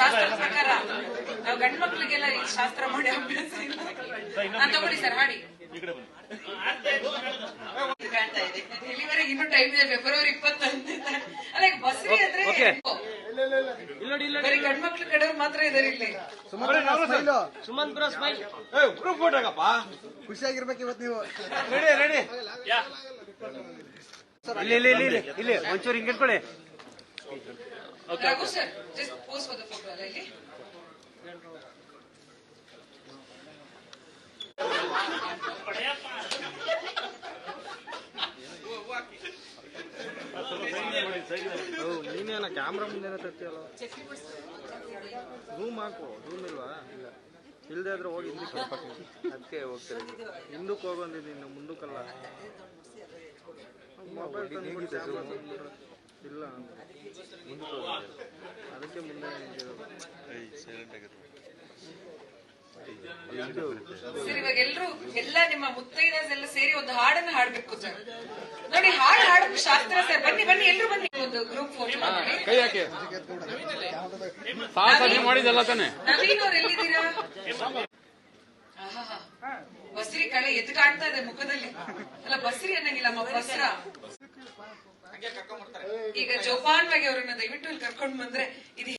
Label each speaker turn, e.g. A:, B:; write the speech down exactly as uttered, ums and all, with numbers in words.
A: ಶಾಸ್ತ್ರದ ಪ್ರಕಾರ ನಾವು ಗಂಡ್ ಮಕ್ಳಿಗೆಲ್ಲ ಈ ಶಾಸ್ತ್ರ ಮಾಡಿ ಅಭ್ಯಾಸ ಇಲ್ಲ. ನಾನ್ ತಗೊಳ್ಳಿ ಸರ್ ಹಾಡಿ ಕಾಣ್ತಾ ಇದೆ. ಇಲ್ಲಿವರೆಗೆ ಇನ್ನೂ ಟೈಮ್ ಇದೆ, ಫೆಬ್ರವರಿ ಇಪ್ಪತ್ತೊಂದು. ಅಲ್ಲ ಈಗ ಬಸ್ರಿ ಅಂದ್ರೆ ಬರೀ ಗಂಡ್ ಮಕ್ಳು ಕಡೆಯವ್ರು ಮಾತ್ರ ಇದಾರೆ ಇಲ್ಲಿ.
B: ಸುಮಂತ್ ಬ್ರೋ ಸ್ಮೈಲ್
C: ಗ್ರೂಪ್ ಫೋಟೋಗಪ್ಪ.
D: ಖುಷಿಯಾಗಿರ್ಬೇಕು ಇವತ್ತು ನೀವು.
C: ರೆಡಿ ರೆಡಿ
B: ಇಲ್ಲಿ ಇಲ್ಲಿ ಇಲ್ಲಿ ಇಲ್ಲಿ ಒಂಚೂರು ಹಿಂಗೆ ಇಟ್ಕೊಳ್ಳಿ.
A: Raghu sir just pose for the photo ಅಲ್ಲ ಇಲ್ಲಿ.
B: ನೀನೇನ ಕ್ಯಾಮ್ರಾ ಮುಂದೆ ತರ್ತೀಯಲ್ಲ, ಝೂಮ್ ಹಾಕು. ಝೂಮ್ ಇಲ್ವಾ? ಇಲ್ಲ, ಇಲ್ಲದೆ ಆದ್ರೆ ಹೋಗಿ ಹಿಂದಕ್ಕೆ ಅದಕ್ಕೆ ಹೋಗ್ತಾರೆ. ಹಿಂದಕ್ಕೆ ಹೋಗೋಂದಿದ್ದು ಇನ್ನು ಮುಂದಕ್ಕಲ್ಲ. ಮೊಬೈಲ್ ಇಲ್ಲ ಅದಕ್ಕೆ ಮುಂದೆ
A: ಸರ್ ಇವಾಗ ಎಲ್ರು ಎಲ್ಲ ನಿಮ್ಮ ಮುತ್ತೈದೆಸ್ ಎಲ್ಲ ಸೇರಿ ಒಂದು ಹಾಡನ್ನ ಹಾಡ್ಬೇಕು ಸರ್. ನೋಡಿ ಹಾಡು ಹಾಡೋದು ಶಾಸ್ತ್ರ ಸರ್. ಬನ್ನಿ ಬನ್ನಿ ಎಲ್ರು ಬನ್ನಿ, ಒಂದು ಗ್ರೂಪ್ ಫೋಟೋ
C: ಕೈ ಹಾಕಿ. ಸಾಹಸ ಮಾಡಿದಲ್ಲ ತಾನೆ.
A: ನವೀನ್ ಅವ್ರು ಎಲ್ಲಿದ್ದೀರಾ? ಬಸ್ರಿ ಕಳೆ ಎದ್ದು ಕಾಣ್ತಾ ಇದೆ ಮುಖದಲ್ಲಿ. ಅಲ್ಲ ಬಸ್ರಿ ಅನ್ನಂಗಿಲ್ಲ, ಬಸ್ರ. ಈಗ ಜೋಪಾನ್ವಾಗಿ ಅವ್ರನ್ನ ದಯವಿಟ್ಟು ಇಲ್ಲಿ ಕರ್ಕೊಂಡು ಬಂದ್ರೆ ಇದು